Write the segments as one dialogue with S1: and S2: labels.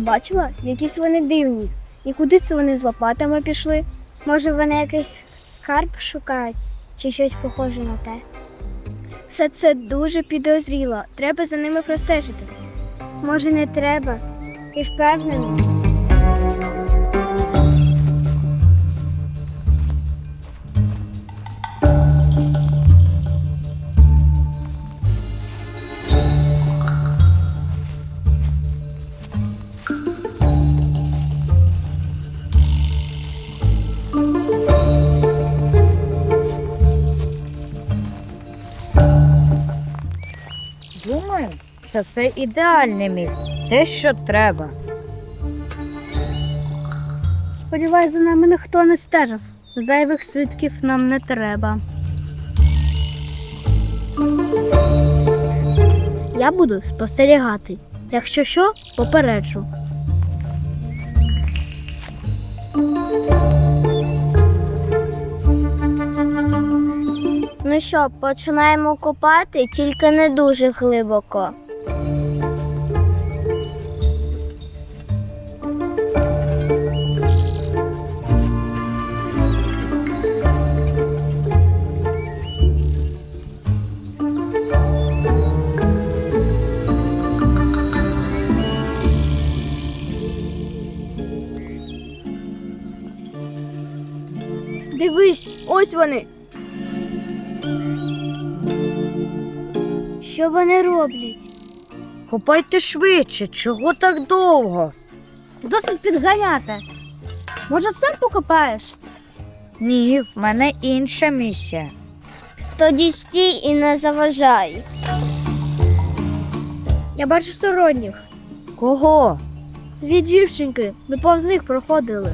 S1: бачила? Якісь вони дивні. І куди це вони з лопатами пішли?
S2: Може, вони якийсь скарб шукають чи щось похоже на те?
S1: Все це дуже підозріло. Треба за ними простежити.
S2: Може, не треба? Ти впевнений?
S3: Думаю, що це ідеальне місце. Те, що треба.
S1: Сподіваюсь, за нами ніхто не стежив. Зайвих свідків нам не треба. Я буду спостерігати. Якщо що, попереджу.
S2: Ну що, починаємо копати, тільки не дуже глибоко.
S1: Дивись, ось вони.
S2: Що вони роблять?
S3: Копайте швидше, чого так довго?
S1: Досить підганяти. Може, сам покопаєш?
S3: Ні, в мене інша місія.
S2: Тоді стій і не заважай.
S1: Я бачу сторонніх.
S3: Кого?
S1: Дві дівчинки. Ми повз них проходили.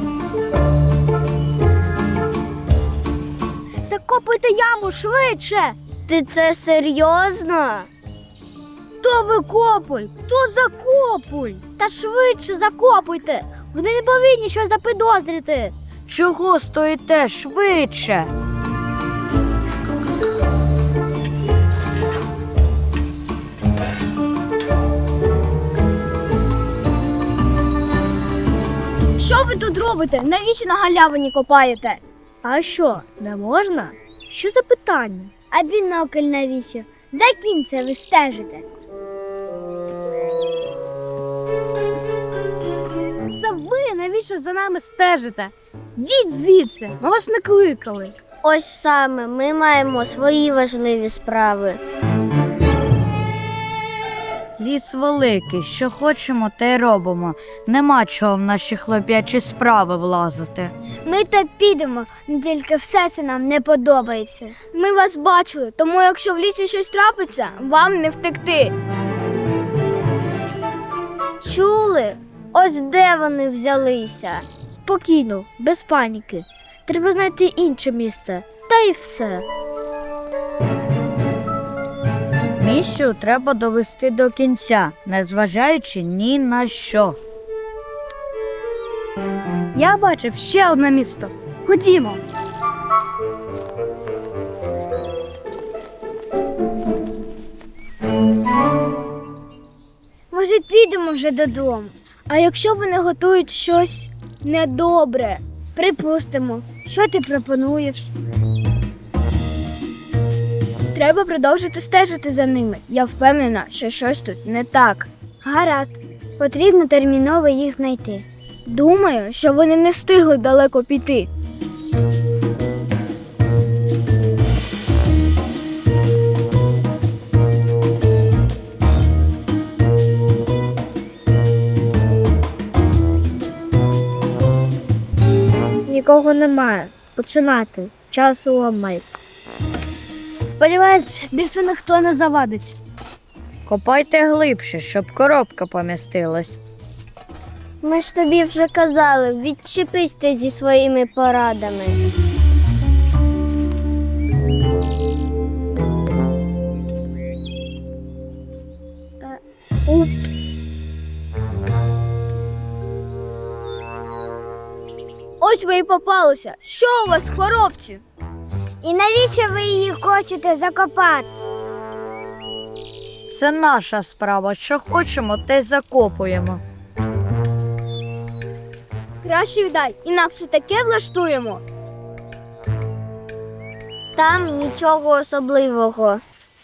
S1: Закопуйте яму швидше!
S2: Ти це серйозно?
S1: То викопуй, то закопуй. Та швидше закопуйте. Вони не повинні щось запідозрити.
S3: Чого стоїте швидше?
S1: Що ви тут робите? Навіщо на галявині копаєте? А що, не можна? Що за питання?
S2: А бінокль навіщо? За ким це ви стежите?
S1: Це ви навіщо за нами стежите? Діть звідси, ми вас не кликали.
S2: Ось саме, ми маємо свої важливі справи.
S3: Ліс великий, що хочемо, те й робимо. Нема чого в наші хлоп'ячі справи влазити.
S2: Ми то підемо, але тільки все це нам не подобається.
S1: Ми вас бачили, тому якщо в лісі щось трапиться, вам не втекти.
S2: Чули? Ось де вони взялися.
S1: Спокійно, без паніки. Треба знайти інше місце. Та й все.
S3: Місію треба довести до кінця, незважаючи ні на що.
S1: Я бачив ще одне місто. Ходімо.
S2: Може, підемо вже додому?
S1: А якщо вони готують щось недобре?
S2: Припустимо. Що ти пропонуєш?
S1: Треба продовжити стежити за ними. Я впевнена, що щось тут не так.
S2: Гаразд. Потрібно терміново їх знайти.
S1: Думаю, що вони не встигли далеко піти.
S2: Нікого немає. Починати. Часу обмаль.
S1: Сподіваюсь, більше ніхто не завадить.
S3: Копайте глибше, щоб коробка помістилась.
S2: Ми ж тобі вже казали, відчепись ти зі своїми порадами.
S1: Упс. Ось ви і попалися. Що у вас, хлопці?
S2: І навіщо ви її хочете закопати?
S3: Це наша справа. Що хочемо, те й закопуємо.
S1: Краще віддай, інакше таке влаштуємо.
S2: Там нічого особливого.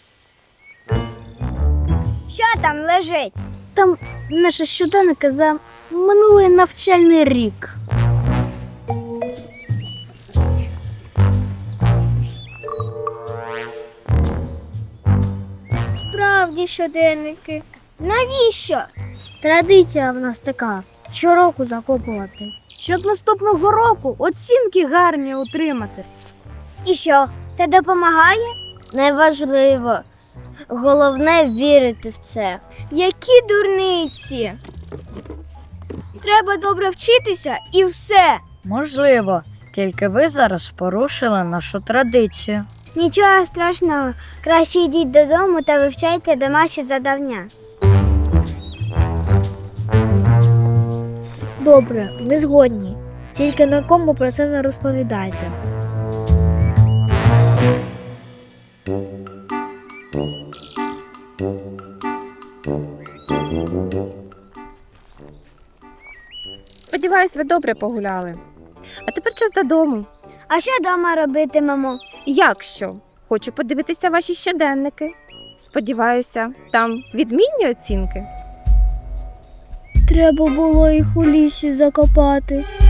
S2: Що там лежить?
S1: Там наша щоденника за минулий навчальний рік.
S2: Справді щоденники. Навіщо?
S1: Традиція в нас така щороку закопувати. Щоб наступного року оцінки гарні отримати.
S2: І що, це допомагає? Неважливо. Головне вірити в це.
S1: Які дурниці! Треба добре вчитися і все.
S3: Можливо, тільки ви зараз порушили нашу традицію.
S2: Нічого страшного. Краще йдіть додому та вивчайте домашні завдання.
S1: Добре, ми згодні. Тільки нікому про це не розповідайте.
S4: Сподіваюсь, ви добре погуляли. А тепер час додому.
S2: А що вдома робитимемо?
S4: Як що? Хочу подивитися ваші щоденники. Сподіваюся, там відмінні оцінки.
S1: Треба було їх у лісі закопати.